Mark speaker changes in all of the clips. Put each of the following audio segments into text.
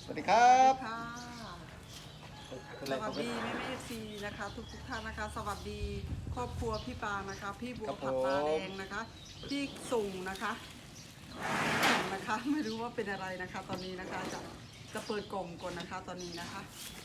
Speaker 1: วัสดีครับ
Speaker 2: สวัสดีแม่เอฟซีนะคะทุกท่านนะคะสวัสดีครอบครัวพี่ปานะคะพี่บัวผัดตาแดงนะคะที่ส่งนะคะไม่รู้ว่าเป็นอะไรนะคะ ตอนนี้นะคะจะเปิดกล่องก่อนนะคะตอนนี้นะคะ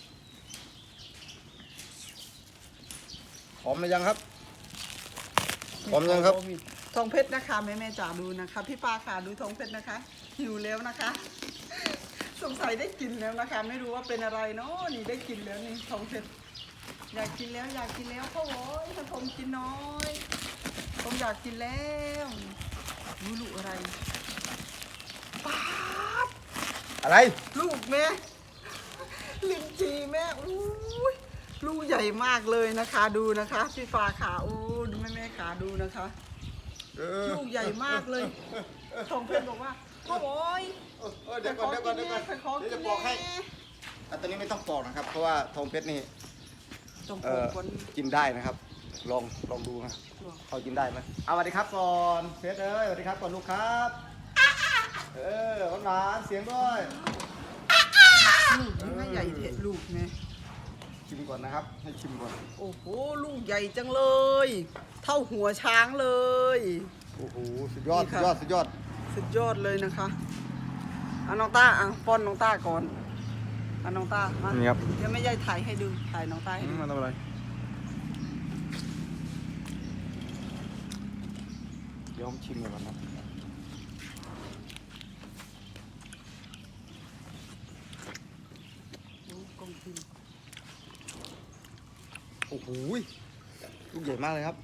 Speaker 1: หอมหรือยังครับหอมยังครับ
Speaker 2: ทองเพชรนะคะแม่จ๋าดูนะคะพี่ปาค่ะดูทองเพชรนะคะหิวแล้วนะคะสงสัยได้กินแล้วนะคะไม่รู้ว่าเป็นอะไรเนาะนี่ได้กินแล้วนี่ทองเพชรอยากกินแล้วพ่อโว้ยถ้าผมกินน้อยผมอยากกินแล้วรู้ลูกอะไรป๊าด
Speaker 1: อะไร
Speaker 2: ลูกแม่ลิ้นจีแม่อู้ยลูกใหญ่มากเลยนะคะดูนะคะพี่ฟ้าขาอู้ดูแม่ขาดูนะคะลูกใหญ่มากเลยทองเพชรบอกว่าพ่อโว้ย
Speaker 1: เดี๋ยวก่อนจะปอกให้ตอนนี้ไม่ต้องปอกนะครับเพราะว่าทองเพชรนี่กินได้นะครับลองดูนะเขากินได้ไหมเอาสวัสดีครับก่อนเพชรสวัสดีครับก่อนลูกครับหวานเสียงด้วย
Speaker 2: ลูกนี่ไม่ใหญ่เด็ดลูกไง
Speaker 1: ชิมก่อนนะครับให้ชิมก่อน
Speaker 2: โอ้โหลูกใหญ่จังเลยเท่าหัวช้างเลย
Speaker 1: โอ้โหสุดยอดเลยนะคะ
Speaker 2: น้องต้าป้อนน้องต้าก่อนน้องต้ามา
Speaker 1: นี่ครับ
Speaker 2: ยังไม่ใหญ่ถ่ายให้ดูถ่ายน้องต้าให้ดู
Speaker 1: มาทำอะไรเดี๋ยวผมชิมก่อนนะโอ้โหลูกใหญ่มากเลยครับ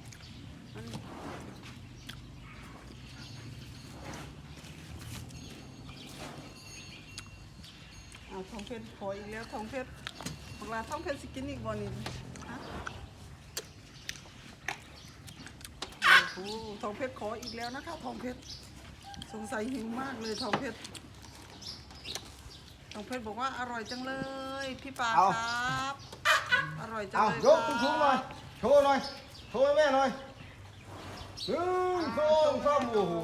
Speaker 2: ทองเพชรขออีกแล้วทองเพชรบอกลาทองเพชรสกินอีกบอลนี่โอ้โหทองเพชรขออีกแล้วนะคะทองเพชรสงสัยหิวมากเลยทองเพชรบอกว่าอร่อยจังเลยพี่ปาครับอร่อยจังเลย
Speaker 1: ยกสูงๆหน่อยโชว์หน่อยโชว์แม่หน่อย1 2 3โอ้โห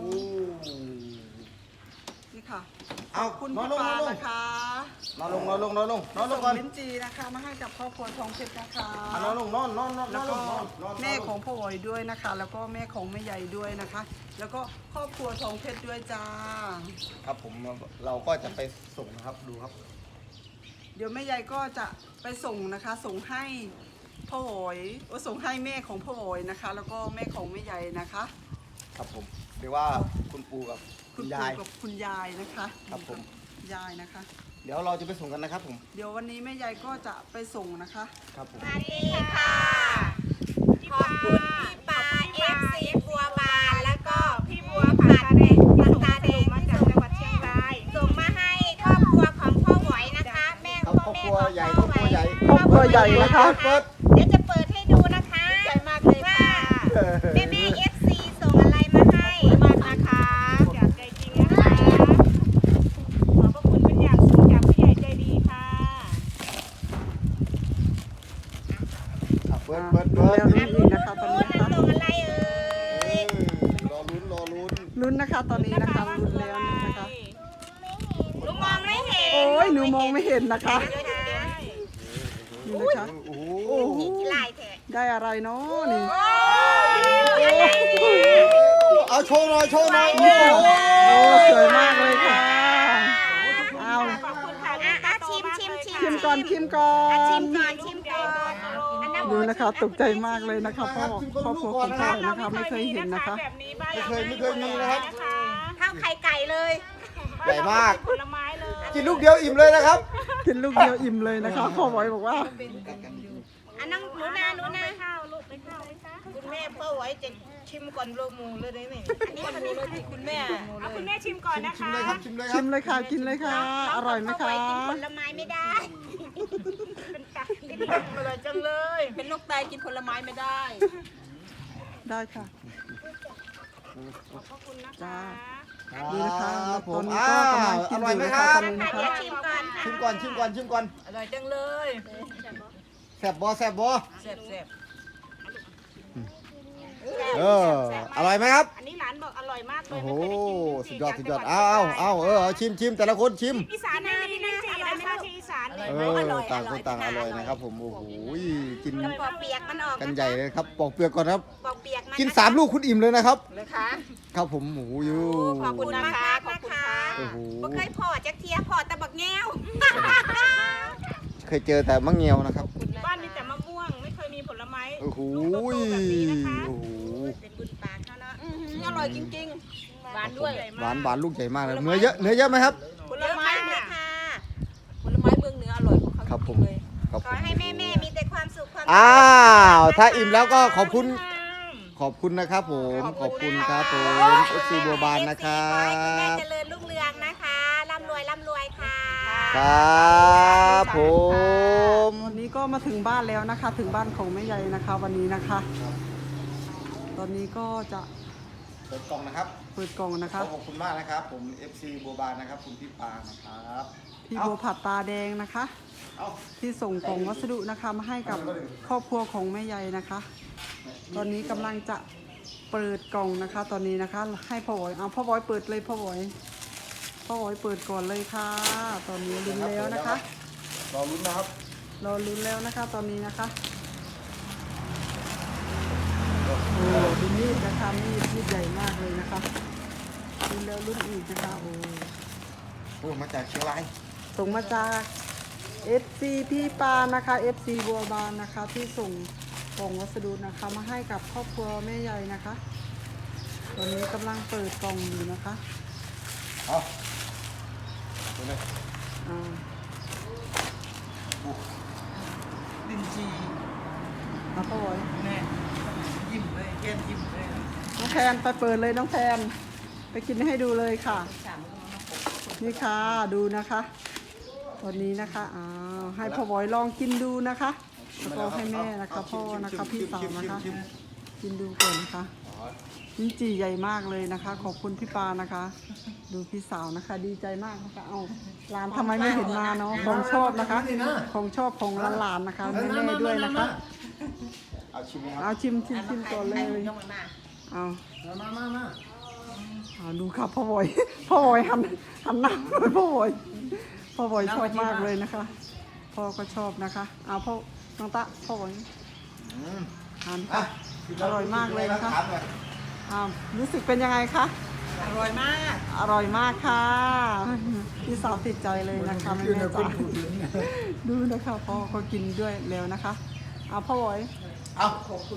Speaker 2: นี่ค่ะ
Speaker 1: เอา
Speaker 2: คุณพี่ปานะคะ
Speaker 1: นอนลงก่อน
Speaker 2: ลิ้นจีนะคะมาให้กับครอบครัวทองเพชรนะคะ
Speaker 1: นอนลง
Speaker 2: แล้วก็แม่ของพ่อวอยด้วยนะคะแล้วก็แม่ของแม่ใหญ่ด้วยนะคะแล้วก็ครอบครัวทองเพชรด้วยจ้า
Speaker 1: ครับผมเราก็จะไปส่งนะครับดูครับ
Speaker 2: เดี๋ยวแม่ใหญ่ก็จะไปส่งนะคะส่งให้พ่อวอยส่งให้แม่ของพ่อวอยนะคะแล้วก็แม่ของแม่ใหญ่นะคะ
Speaker 1: ครับผมเรียกว่าคุณปู่กับคุณยาย
Speaker 2: นะคะ
Speaker 1: ครับผม
Speaker 2: ยายนะคะ
Speaker 1: เดี๋ยวเราจะไปส่งกันนะครับผม
Speaker 2: เดี๋ยววันนี้แม่ยายก็จะไปส่งนะคะ
Speaker 1: ครับผม
Speaker 3: สวัสดีค่ะขอบคุณพี่ปาFC บัวบานแล้วก็พี่บัวผัดตาแดงมาจากจังหวัดเชียงรายส่งมาให้ครอบครัวของพ่อหวยนะคะแม่ของพ่อหวยครอบครัวใหญ่
Speaker 2: นะคะ
Speaker 3: เดี๋ยวจะเปิดให้ดูนะคะใหญ่มากเลยค่ะแม่ FC ส่งอะไรมาให้มากนะคะจากใจจริงนะคะขอบพระคุณเป็นอย่างสูงจากผู้ใหญ่ใจดีค่ะ
Speaker 1: เปิด
Speaker 2: แล้วนี่นะคะตอนนี้นะคะ
Speaker 3: ส่งอะไร
Speaker 1: รอ
Speaker 2: ลุ้นนะคะตอนนี้นะคะลุ้นแล้วนะคะ
Speaker 3: หนูมองไม่เห็น
Speaker 2: โอ้ยหนูมองไม่เห็นนะคะนี่นะคะโอ้โหได้อะไรเนาะนี่
Speaker 1: เอาโชว์หน่อยโ
Speaker 2: โอ้สวยมากเลยค่ะเอา
Speaker 3: ขอบคุณค่ะชิม
Speaker 2: ก่อน
Speaker 3: ชิมก่อน
Speaker 2: ดูนะคะตกใจมากเลยนะคะพ่อครอบครัวของพ่อนะคะไม่เคยเห็นนะคะ
Speaker 1: ไม่เคยมีนะครับ
Speaker 3: ข้าวไข่ไก่เลย
Speaker 1: ใหญ่มาก
Speaker 3: ผลไม้เลย
Speaker 1: กินลูกเดียวอิ่มเลยนะครับ
Speaker 2: กินลูกเดียวอิ่มเลยนะคะพ่อบอยบอกว่า
Speaker 3: นั่งหนูนาข้าวลูกไปข้าวคุณแม่พ่อไว้จะชิมก่อนโลมูเลยได้ไหมอันนี้คุณแม่เอาคุณแม่ชิมก่อนนะคะ
Speaker 2: ชิมเลยค่ะกินเลยค่ะอร่อยไหมคะ
Speaker 3: กินผลไม้ไม่ได้เป็นตากินอร่อยจังเลยเป็นลูกตายกินผลไม้ไม่ได้
Speaker 2: ได้ค่ะ
Speaker 3: ขอบคุณนะ
Speaker 2: จ้า
Speaker 3: คะ
Speaker 2: ดีนะคะ
Speaker 1: ผ
Speaker 2: ตอ
Speaker 1: ม
Speaker 2: นนี้ก็กำลังกินอยู่นะคะตอนนี้นะคะ
Speaker 3: ชิมก่อน
Speaker 2: อร่อยจังเลย
Speaker 1: แซ่บบ่
Speaker 2: แซ่บ
Speaker 1: อร่อยไหมครับ
Speaker 3: อันนี้หลานบอกอร่อยมากเลย
Speaker 1: โอ้โห
Speaker 3: ไม่เคยได้กิน
Speaker 1: สุดยอดเอาชิมแต่ละคนชิม
Speaker 3: อีสานไม่มีลิ้นจี่นะคะที่อีสาน
Speaker 1: ต่างคนต่างอร่อยนะครับผมโอ้โหกิน
Speaker 3: ปอกเปียกมันออก
Speaker 1: กันใหญ่เลยครับปอกเปลือกก่อนครับ
Speaker 3: ปอกเปียกมัน
Speaker 1: กิน3 ลูกคุณอิ่มเลยนะครับ
Speaker 2: เลยคะ
Speaker 1: ครับผมโอ้โหยู
Speaker 3: ขอบคุณนะคะขอบคุณค่ะ
Speaker 1: โอ้โห
Speaker 3: บ่เคยพอจักเทียพอแต่บักแง้ว
Speaker 1: เคยเจอแต่มะเงียวนะครับ
Speaker 3: บ้านมีแต่มะม่วงไม่เคยมีผลไม้
Speaker 1: โอ้โห
Speaker 3: ลูกโตๆแบบนี้นะคะ
Speaker 1: โอ้โห
Speaker 3: เป็นบุญปากเขาเนาะ
Speaker 2: อร่อยจริง
Speaker 3: หวานด้วย
Speaker 1: หวานลูกใหญ่มากเลยเนื้อเยอะไหมครับ
Speaker 2: ๆ ผล
Speaker 3: เยอะ
Speaker 2: ไม้
Speaker 3: มากเล
Speaker 2: เนี่ย
Speaker 3: ยค่ะ
Speaker 2: ผลไม้เมืองเหนืออร่อยของเขา
Speaker 1: ครับผม
Speaker 2: เลย
Speaker 1: ขอบ
Speaker 3: ข
Speaker 1: คุ
Speaker 3: อ
Speaker 1: ณ
Speaker 3: ให้แม่มีแต่ความสุขความ
Speaker 1: อ้าวถ้าอิ่มแล้วก็ขอบคุณ
Speaker 3: ะ
Speaker 1: ขอบคุณนะครับผมขอบคุณครับผม FC บัวบานนะครั
Speaker 3: ขอให้คุณแม่
Speaker 1: บ
Speaker 3: เจริญรุ่งเรืองนะคะร่ำรวยค่ะ
Speaker 1: ครับผม
Speaker 2: วันนี้ก็มาถึงบ้านแล้วนะคะ ถึงบ้านของแม่ใหญ่นะคะ วันนี้นะคะ ตอนนี้ก็จะ
Speaker 1: เปิดกล่องนะครับ
Speaker 2: เปิดกล่องนะคะ
Speaker 1: ขอบคุณมากนะครับผม FC บัวบานนะครับคุณพี่ปานะครับ
Speaker 2: พี่บัวผัดตาแดงนะคะ
Speaker 1: เอา
Speaker 2: ที่ส่งกล่องวัสดุนะคะมาให้กับครอบครัวของแม่ใหญ่นะคะ ตอนนี้กำลังจะเปิดกล่องนะคะ ตอนนี้นะคะ ให้พ่อหอยเอาพ่อหอยเปิดเลยพ่อหอยเปิดก่อนเลยค่ะ ตอนนี้ลุ้นแล้วนะคะ
Speaker 1: รอลุ้นนะครับ
Speaker 2: รอลุ้นแล้วนะคะ ตอนนี้นะคะโอ้ดูมีดนะคะมีดใหญ่มากเลยนะคะลุ้นแล้วลุ้นอีกนะคะโอ้
Speaker 1: โอ้มาจากเชียงราย
Speaker 2: ส่งมาจาก FC พี่ปานะคะ FC บัวบานนะคะ ที่ส่งกล่องวัสดุนะคะมาให้กับครอบครัวแม่ใหญ่นะคะ ตอนนี้กำลังเปิดกล่องอยู่นะคะ
Speaker 1: เอาดูเลย
Speaker 2: อ่า
Speaker 4: ลิ้นจี่
Speaker 2: แล้วพ่อไว้
Speaker 4: แม่ยิ้มเลยแก้มยิ้มเลย
Speaker 2: น้องแพนไปเปิดเลยน้องแพนไปกินให้ดูเลยค่ะ นี่ค่ะดูนะคะตอนนี้นะคะอ้าวให้พ่อไว้ลองกินดูนะคะแล้วก็ให้แม่นะคะพ่อนะคะพี่สาวนะคะ กินดูก่อนนะคะลิ้นจี่ใหญ่มากเลยนะคะ ขอบคุณพี่ปานะคะ ดูพี่สาวนะคะ ดีใจมากนะคะเอาหลานทำไมไม่เห็นมาเนาะของชอบนะคะ ของชอบของหลานๆนะคะแม่ๆด้วยนะคะ
Speaker 1: เอาชิมไหมครับ
Speaker 2: เอาชิมก่อนเลยเอา
Speaker 4: มา
Speaker 2: เอาดูครับพ่อบอยพ่อบอยหันหน้าไปพ่อบอยชอบมากเลยนะคะ พ่อก็ชอบนะคะเอาพ่อน้องตะพ่อบอย
Speaker 1: อืม
Speaker 2: ทานค่ะอร่อยมากเลยนะคะ
Speaker 1: ถามหน่อย
Speaker 2: รู้สึกเป็นยังไงคะ
Speaker 4: อร่อยมาก
Speaker 2: อร่อยมากค่ะพี่สาวติดใจเลยนะคะไม่แน่ใจดูนะคะพ่อก็กินด้วยแล้วนะคะเอาพ่อบอย
Speaker 1: เอา
Speaker 2: ขอบคุณ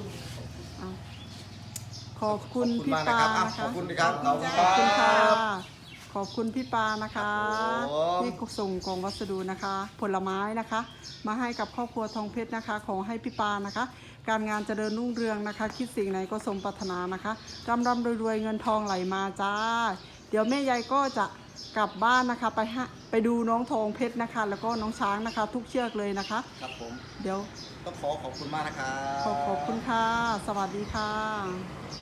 Speaker 1: ขอบคุณ
Speaker 2: พี่
Speaker 1: มาก
Speaker 2: ปา
Speaker 1: นะครับ
Speaker 2: นะคะ
Speaker 1: ขอบคุณครับขอบคุณ
Speaker 2: ขอบคุณ
Speaker 1: ค
Speaker 2: ค่ะ
Speaker 1: รับ
Speaker 2: ขอบคุณพี่ปานะคะ
Speaker 1: ครับผม
Speaker 2: ที่ส่งกล่องวัสดุนะคะ ผลไม้นะคะ มาให้กับครอบครัวทองเพชรนะคะ ขอให้พี่ปานะคะ การงานเจริญรุ่งเรืองนะคะ คิดสิ่งไหนก็สมปรารถนานะคะร่ำรวยเงินทองไหลมาจ้า เดี๋ยวแม่ยายก็จะกลับบ้านนะคะไปดูน้องทองเพชรนะคะ แล้วก็น้องช้างนะคะ ทุกเชือกเลยนะคะ
Speaker 1: ครับผม
Speaker 2: เดี๋ยว
Speaker 1: ต้องขอบคุณมากนะครับ
Speaker 2: ขอบคุณค่ะ สวัสดีค่ะ